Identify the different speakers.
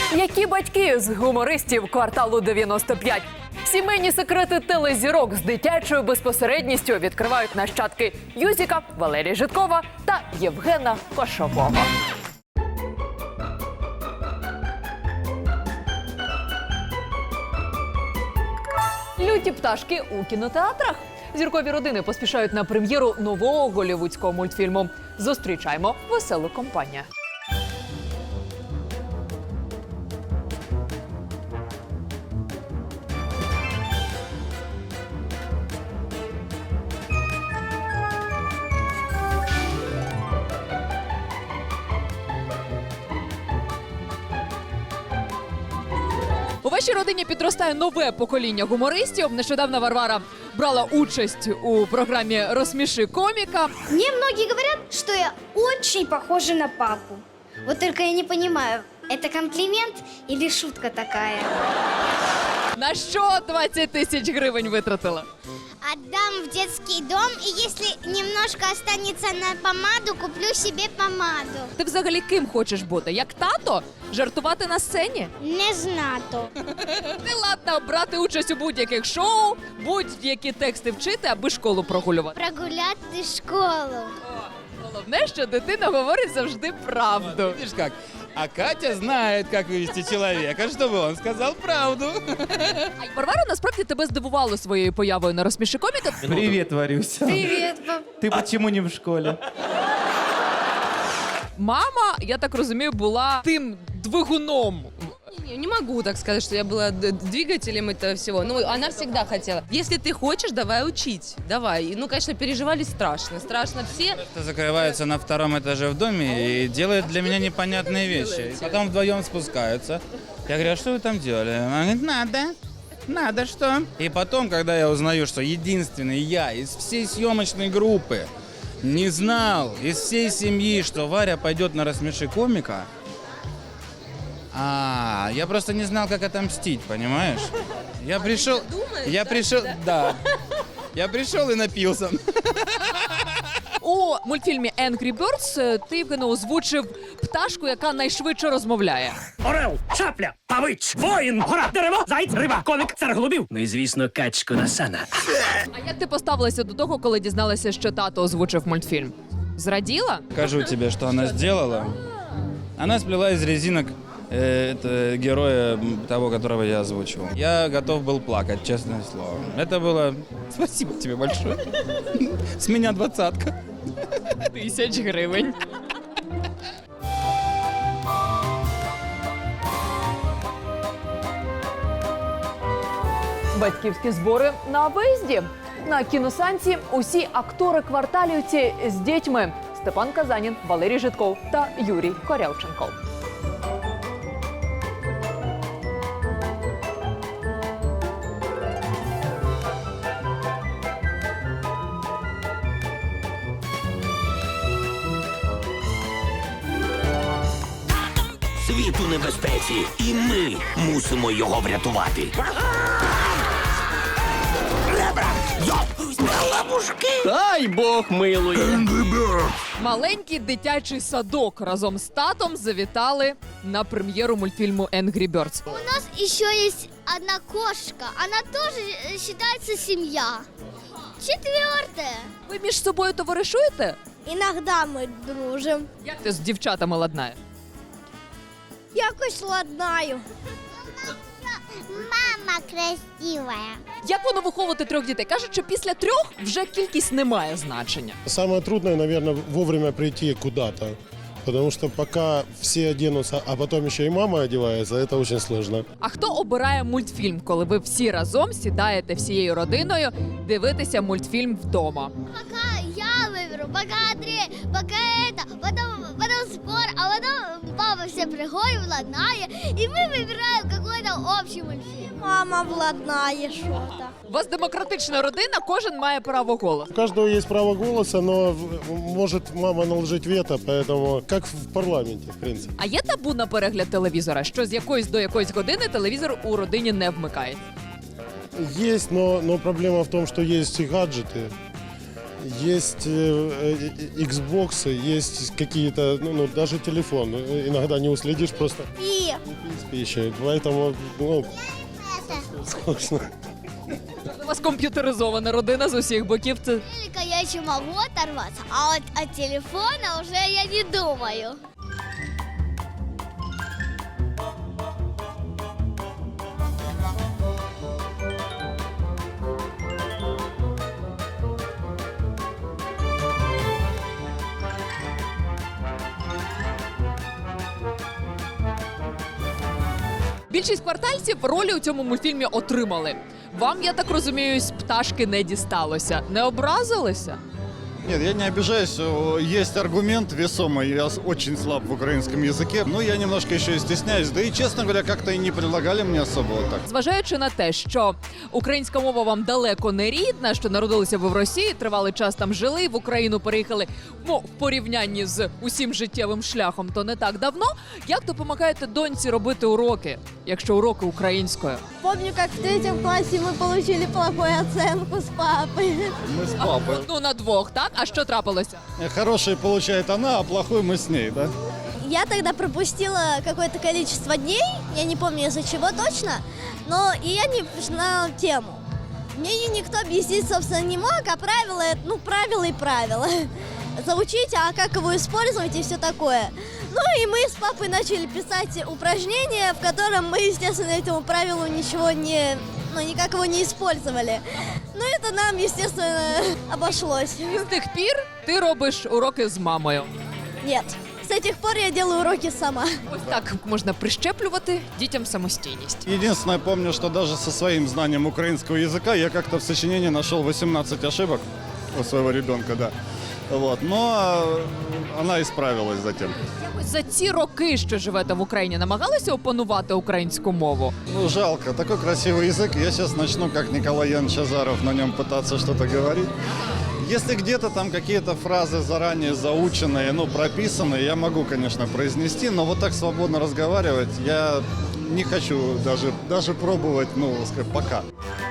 Speaker 1: Які батьки з гумористів кварталу 95? Сімейні секрети телезірок з дитячою безпосередністю відкривають нащадки Юзіка, Валерія Жидкова та Євгена Кошового. Люті пташки у кінотеатрах. Зіркові родини поспішають на прем'єру нового голлівудського мультфільму. Зустрічаємо веселу компанію. У вашій родині підростає нове покоління гумористів. Нещодавно Варвара брала участь у програмі «Розсміши коміка».
Speaker 2: Мне многие говорят, что я очень похожа на папу. Вот только я не понимаю, это комплимент или шутка такая?
Speaker 1: На що 20 тисяч гривень витратила?
Speaker 3: Отдам в детский дом, и если немножко останется на помаду, куплю себе помаду.
Speaker 1: Ти взагалі ким хочеш бути? Як тато? Жартувати на сцені?
Speaker 3: Не знато.
Speaker 1: Ти ладна брати участь у будь-яких шоу, будь-які тексти вчити, аби школу прогулювати.
Speaker 3: Прогуляти школу.
Speaker 1: Головне, що дитина говорить завжди правду.
Speaker 4: Видишь как? А Катя знает, как вывести человека, чтобы он сказал правду.
Speaker 1: А Варвара насправді тебе здивувало своєю появою на «Розсміши коміка».
Speaker 5: Привет, Варюся.
Speaker 2: Привет, пап.
Speaker 5: Ты почему не в школе?
Speaker 1: Мама, я так розумію, була тим двигуном.
Speaker 6: Не могу так сказать, что я была двигателем этого всего. Ну, она всегда хотела. Если ты хочешь, давай учить. Давай. Ну, конечно, переживали страшно. Страшно все.
Speaker 4: Это закрываются на втором этаже в доме и делают для меня непонятные вещи. И потом вдвоем спускаются. Я говорю, а что вы там делали? Она говорит, надо что? И потом, когда я узнаю, что единственный я из всей съемочной группы не знал из всей семьи, что Варя пойдет на «Рассмеши комика», я просто не знал, как отомстить, понимаешь? Я пришел, я пришел и напился.
Speaker 1: У мультфільмі «Angry Birds» ти, Євгене, озвучив пташку, яка найшвидше розмовляє.
Speaker 7: Орел, шапля, павич, воїн, гора, дерево, заєць, риба, коник, цар голубів. Ну і, звісно, качку на сана.
Speaker 1: А як ти поставилася до того, коли дізналася, що тато озвучив мультфільм? Зраділа?
Speaker 4: Скажу тебе, что она сделала. Она сплела из резинок это героя того, которого я озвучивал. Я готов был плакать, честное слово. Это было... Спасибо тебе большое. С меня 20-ка.
Speaker 1: 1000 гривень. Батьківські збори на виїзді. На кіносеансі усі актори-кварталівці з дітьми. Степан Казанін, Валерій Жидков та Юрій Корявченков.
Speaker 8: Світ у небезпеці, і ми мусимо його врятувати. Ребра! Йоп! Ловушки!
Speaker 7: Дай Бог милує.
Speaker 1: Маленький дитячий садок разом з татом завітали на прем'єру мультфільму «Angry Birds».
Speaker 3: У нас еще есть одна кошка. Она тоже считается семья. 4.
Speaker 1: Ви між собою товаришуєте?
Speaker 3: Иногда мы дружим.
Speaker 1: Як ти з дівчатами ладнаєш?
Speaker 3: Якось ладнаю. Мама красивая.
Speaker 1: Як воно виховувати 3 дітей? Кажуть, що після 3 вже кількість не має значення.
Speaker 9: Самое трудное, наверное, вовремя прийти куда-то. Потому что пока все оденутся, а потом еще и мама одевается, это очень сложно.
Speaker 1: А хто обирає мультфільм, коли ви всі разом сідаєте всією родиною дивитися мультфільм вдома?
Speaker 3: Пока я выберу, пока Андрей, пока это, потом спор, а потом папа все приходит, владнає, и мы выбираем какой-то общий мультфильм. Мама владнає что-то.
Speaker 1: У вас демократична родина, кожен має право голосу.
Speaker 9: У каждого есть право голоса, но может мама наложить вето, поэтому как в парламенте, в принципе.
Speaker 1: А є табу на перегляд телевізора, що з якоїсь до якоїсь години телевізор у родині не вмикається?
Speaker 9: Есть, но проблема в том, что есть и гаджеты. Есть Xbox, есть какие-то, ну, даже телефон. Иногда не уследишь просто
Speaker 3: И
Speaker 9: с пищей. Поэтому, ну, скучно.
Speaker 1: У вас комп'ютеризована родина з усіх боків. Це
Speaker 3: телека я еще могу оторваться, а вот от телефона уже я не думаю.
Speaker 1: більшість квартальців ролі у цьому мультфільмі отримали. Вам, я так розумію, з пташки не дісталося. Не образилися?
Speaker 10: Нет, я не обижаюсь. Есть аргумент весомый. Я очень слаб в украинском языке. Но я немножко еще и стесняюсь. Да и, честно говоря, как-то и не предлагали мне особо вот так.
Speaker 1: Зважаючи на те, що українська мова вам далеко не рідна, що народилися ви в Росії, тривалий час там жили, в Україну переїхали, ну, в порівнянні з усім життєвим шляхом, то не так давно. Як допомагаєте доньці робити уроки, якщо уроки українською?
Speaker 3: Помню, как в 3 классе мы получили плохую оценку с папой.
Speaker 10: Мы с папой.
Speaker 1: Ну, на двох, так? А що трапилося?
Speaker 10: Хороший получает она, а плохой мы с ней, да?
Speaker 3: Я тогда пропустила какое-то количество дней, я не помню из-за чего точно, но и я не знала тему. Мне никто объяснить, собственно, не мог, а правила, ну, правила и правила. Заучить, а как его использовать и все такое. Ну и мы с папой начали писать упражнения, в котором мы, естественно, этому правилу ничего не, ну, никак его не использовали. Ну это нам, естественно, обошлось.
Speaker 1: З тих пір ти робиш уроки з мамою.
Speaker 3: Нет, с тех пор я делаю уроки сама.
Speaker 1: Ось так можна прищеплювати дітям самостійність.
Speaker 10: Единственное, помню, что даже со своим знанием украинского языка я как-то в сочинении нашел 18 ошибок у своего ребенка, да. Вот. Но она исправилась затем.
Speaker 1: Якось за ці роки, що живете в Україні, намагалися опанувати українську мову?
Speaker 10: Ну, жалко. Такой красивый язык. Я сейчас начну, как Николай Янович Азаров, на нем пытаться что-то говорить. Если где-то там какие-то фразы заранее заученные, ну, прописанные, я могу, конечно, произнести, но вот так свободно разговаривать я не хочу даже пробовать, ну, пока.